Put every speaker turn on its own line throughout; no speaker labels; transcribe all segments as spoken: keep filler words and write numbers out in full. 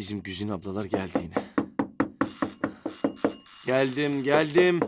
Bizim Güzin ablalar geldi yine. Geldim, geldim.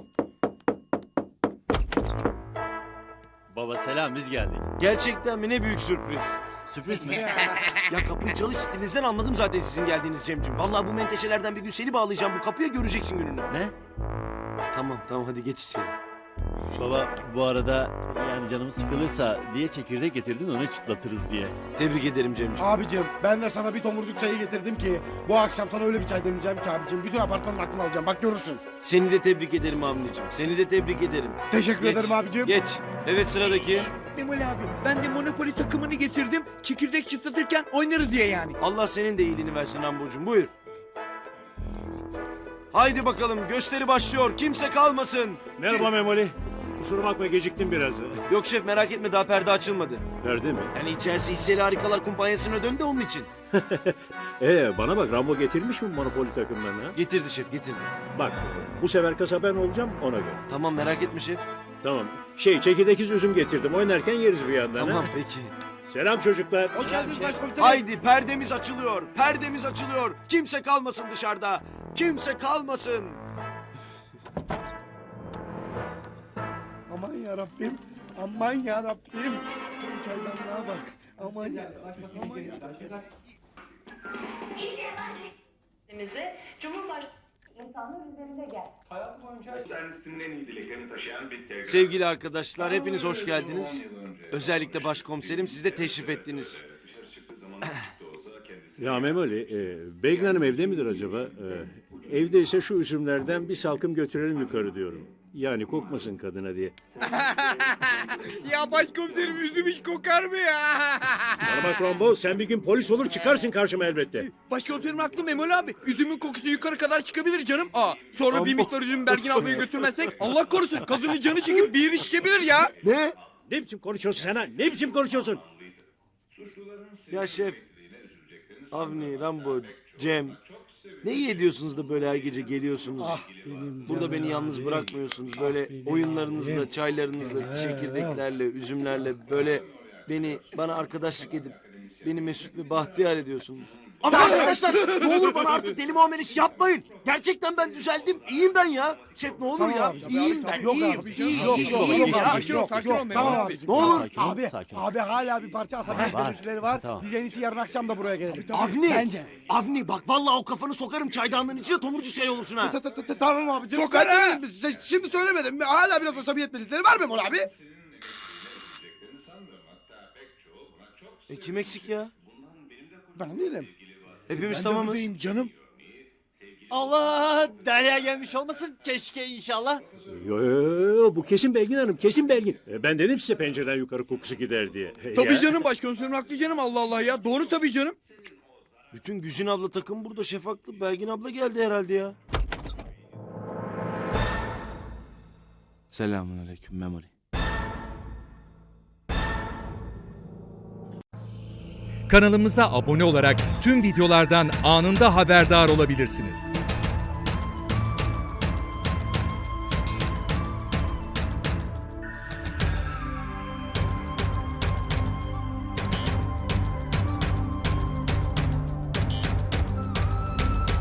Baba selam, biz geldik.
Gerçekten mi? Ne büyük sürpriz.
Sürpriz mi?
Ya kapıyı çalış stilinizden anladım zaten sizin geldiğiniz Cemcim. Vallahi bu menteşelerden bir gün seni bağlayacağım bu kapıya, göreceksin gününü.
Ne?
Tamam tamam hadi geç içeri.
Baba bu arada yani canımız sıkılırsa diye çekirdek getirdin, onu çıtlatırız diye.
Tebrik ederim Cemcim.
Abicim ben de sana bir tomurcuk çayı getirdim ki bu akşam sana öyle bir çay demeyeceğim ki abicim. Bütün apartmanın aklını alacağım, bak görürsün.
Seni de tebrik ederim Avni'cim. Seni de tebrik ederim.
Teşekkür
Geç,
ederim abicim.
Geç. Evet sıradaki.
Memoli abi ben de Monopoly takımını getirdim. Çekirdek çıtlatırken oynarız diye yani.
Allah senin de iyiliğini versin Rambocuğum. Buyur. Haydi bakalım gösteri başlıyor. Kimse kalmasın.
Merhaba Memoli. Kusura bakma geciktim biraz.
Yok şef merak etme daha perde açılmadı.
Perde mi?
Yani içerisi hisseli harikalar kumpanyasına döndü onun için.
Ee bana bak, Rambo getirmiş mi Monopoly takımlarını?
Getirdi şef getirdi.
Bak bu sefer kasa ben olacağım, ona göre.
Tamam merak etme şef.
Tamam. Şey, çekirdekiz üzüm getirdim. Oynarken yeriz bir yandan.
Tamam
ha?
peki.
Selam çocuklar.
Hoş geldiniz başkomiserim.
Haydi perdemiz açılıyor. Perdemiz açılıyor. Kimse kalmasın dışarıda. Kimse kalmasın.
Aman yarabbim. Aman yarabbim. Şu çaydanlığa bak. Aman yarabbim. Aman yarabbim.
Bizi Cumhurbaşkanı insanlar üzerinde gel.
Kendisinin en iyi dileklerini taşıyan bir telgraf.
Sevgili arkadaşlar hepiniz hoş geldiniz. Özellikle başkomiserim siz de teşrif ettiniz.
Ya Memoli, e, Belgin Hanım evde midir acaba? E, evdeyse şu üzümlerden bir salkım götürelim yukarı diyorum. Yani kokmasın kadına diye.
Ya başkomiserim üzüm hiç kokar mı ya?
Bana bak Rambo, sen bir gün polis olur çıkarsın karşıma elbette.
Başkomiserim haklı Memoli abi. Üzümün kokusu yukarı kadar çıkabilir canım. Aa, sonra bir miktar üzüm Bergin ablaya götürmezsek Allah korusun kadının canı çekip bir yeri şişebilir ya.
Ne?
Ne biçim konuşuyorsun sen ha? Ne biçim konuşuyorsun?
Ya şef. Avni, Rambo, Cem. Ne iyi ediyorsunuz da böyle her gece geliyorsunuz. Burada beni yalnız bırakmıyorsunuz. Böyle oyunlarınızla, çaylarınızla, çekirdeklerle, üzümlerle böyle beni bana arkadaşlık edip beni mesut ve bahtiyar ediyorsunuz. Ama arkadaşlar ne olur bana artık deli muamelesi yapmayın. Gerçekten ben düzeldim. İyiyim ben ya. Şef ne olur
Tamam
ya.
abicim,
İyiyim
abi,
ben.
yok
İyiyim.
abi,
İyiyim.
Yok
İyiyim.
yok
İyiyim
yok
ya.
abi, yok
sakin ol
yok.
Memoli
Tamam
abi.
abicim.
Ne olur.
Sakin ol,
Abi,
sakin ol.
abi hala bir parça asabiyet
Var.
görüntüleri var.
Tamam.
Biz en iyisi yarın akşam da buraya gelelim.
Avni.
Bence.
Avni bak vallahi o kafanı sokarım çaydanlığın içine tomurcuk şey olursun ha.
Ta- ta- ta- ta- Tamam abicim.
Sokar
Ben de
ha.
dedim, size şimdi söylemedim. Hala biraz asabiyet belirtileri var mı Memoli abi?
E kim eksik ya?
Ben değilim.
Hepimiz tamamız.
buradayım canım.
Allah! Derya gelmiş olmasın, keşke inşallah.
Yo, yo, yo, bu kesin Belgin Hanım, kesin Belgin. E, ben dedim size pencereden yukarı kokusu gider diye. E,
Tabii
ya.
canım başkomiserim haklı canım Allah Allah ya. Doğru tabii canım.
Bütün Güzin abla takım burada şef haklı. Belgin abla geldi herhalde ya. Selamun aleyküm Memoli.
Kanalımıza abone olarak tüm videolardan anında haberdar olabilirsiniz.